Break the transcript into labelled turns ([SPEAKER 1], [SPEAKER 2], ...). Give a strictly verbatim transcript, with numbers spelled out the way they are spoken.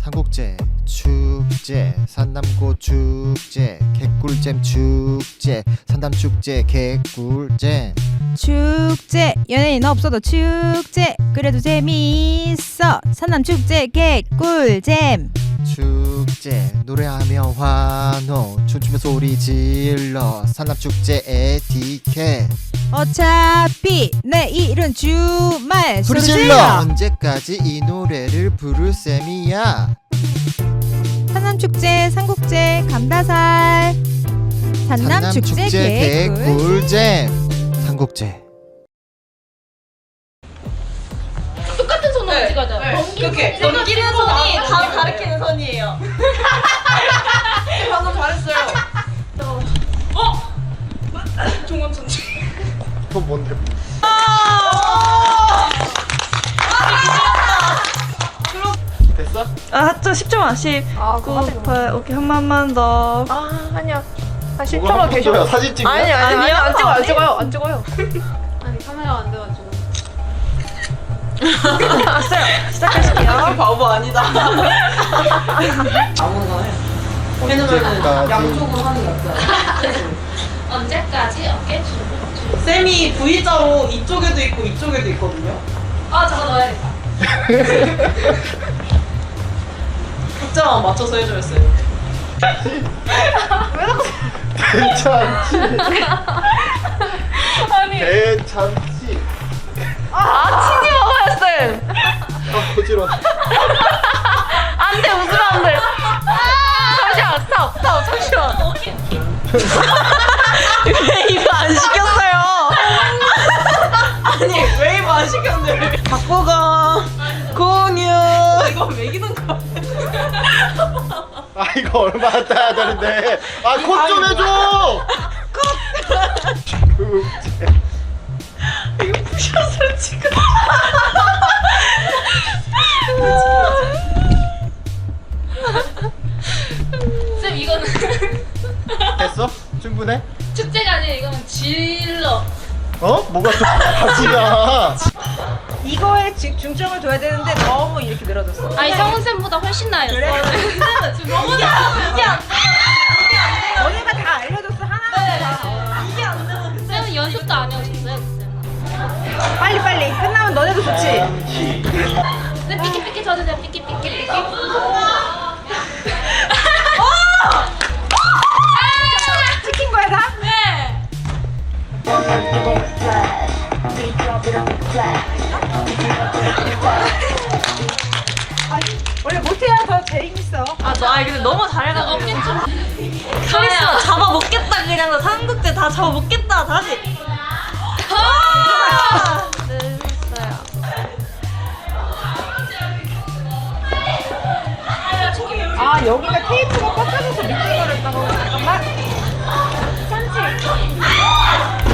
[SPEAKER 1] 삼국제 축제, 산남고 축제, 개꿀잼 축제, 산남축제 개꿀잼.
[SPEAKER 2] 축제 연예인 없어도 축제 그래도 재미있어 산남축제 개꿀잼.
[SPEAKER 1] 축제 노래하며 환호 춤추며 소리 질러 산남축제 에티켓.
[SPEAKER 2] 어차피 내일은 주말
[SPEAKER 1] 소리 질러 언제까지 이 노래를 부를 셈이야.
[SPEAKER 2] 산남축제 삼국제 감다살 산남축제 개꿀
[SPEAKER 1] 개꿀잼. 삼국제
[SPEAKER 3] 똑같은 손으로
[SPEAKER 4] 네.
[SPEAKER 3] 찍어줘요.
[SPEAKER 4] 네.
[SPEAKER 3] 넘기는,
[SPEAKER 4] 그렇게.
[SPEAKER 3] 넘기는 손이 다 가리키는 손이에요.
[SPEAKER 4] 방금 잘했어요. 어? 종원 천재.
[SPEAKER 1] 그건 뭔데? 됐어?
[SPEAKER 4] 아, 저 십 점만. 십, 구, 팔, 오케이. 한 번만 더.
[SPEAKER 5] 아 아니야. 한 십
[SPEAKER 1] 뭐가
[SPEAKER 5] 점만 계셔.
[SPEAKER 1] 사진 찍냐?
[SPEAKER 5] 아니 아니 아니 안 찍어 안 찍어요 안 찍어요.
[SPEAKER 3] 아니 카메라가 안 돼가지고.
[SPEAKER 4] 알았어요. 시작하실게요. 바보 아니다.
[SPEAKER 1] 언제까지
[SPEAKER 4] 양쪽으로 하는 게 없어요.
[SPEAKER 3] 언제까지 어깨 주고?
[SPEAKER 4] 쌤이 V자로 이쪽에도 있고 이쪽에도 있거든요.
[SPEAKER 3] 아 저거 넣어야겠다.
[SPEAKER 4] 각자만 맞춰서 해줘야겠어요.
[SPEAKER 1] 괜찮지?
[SPEAKER 5] 아니
[SPEAKER 1] 괜찮지?
[SPEAKER 5] 아 치지 마봐요 쌤.
[SPEAKER 1] 아 거지러.
[SPEAKER 5] 안돼 웃으면 안돼. 잠시만 스탑 스탑 잠시만.
[SPEAKER 4] 왜 이거 안 시켰어요? 아니 왜 이거 안 시켰는데? 바꿔가 공유. 이거 매기는 거.
[SPEAKER 1] 아 이거 얼마나 따야 되는데. 아 콧 좀 해줘. 축제.
[SPEAKER 4] 이거 부셔서 지금.
[SPEAKER 3] 쌤 이거는
[SPEAKER 1] 됐어? 충분해?
[SPEAKER 3] 축제가 아니라 이거는 질러.
[SPEAKER 1] 어? 뭐가 또 가지가.
[SPEAKER 2] 이거에 지- 중점을 둬야 되는데 너무 이렇게 늘어졌어.
[SPEAKER 3] 아니 성훈 쌤보다 훨씬 나아요.
[SPEAKER 2] 그래?
[SPEAKER 3] 쌤은 지금 너무 나아요. 이게 안 돼.
[SPEAKER 2] 너네가 다 알려줬어 하나하나 다.
[SPEAKER 3] 이게 안 되면 쌤은 연습도 안 해오셨어요, 쌤은.
[SPEAKER 2] 빨리 빨리 끝나면 너네도 좋지.
[SPEAKER 3] 쌤 삐끼 삐끼 쳐주세요. 삐끼 삐끼 삐끼.
[SPEAKER 2] 찍힌 거야 다?
[SPEAKER 3] 네.
[SPEAKER 2] 원래 못해야 더 재밌어.
[SPEAKER 4] 아, 저 아니 근데 너무 잘해가지고.
[SPEAKER 3] 어깨 좀.
[SPEAKER 4] 카리스마 잡아 먹겠다 그냥 나 삼국제 다 잡아 먹겠다 다시. 아! 네, 했어요.
[SPEAKER 2] 아 여기가 테이프가 꺾여져서 미끄러졌다고. 잠깐만.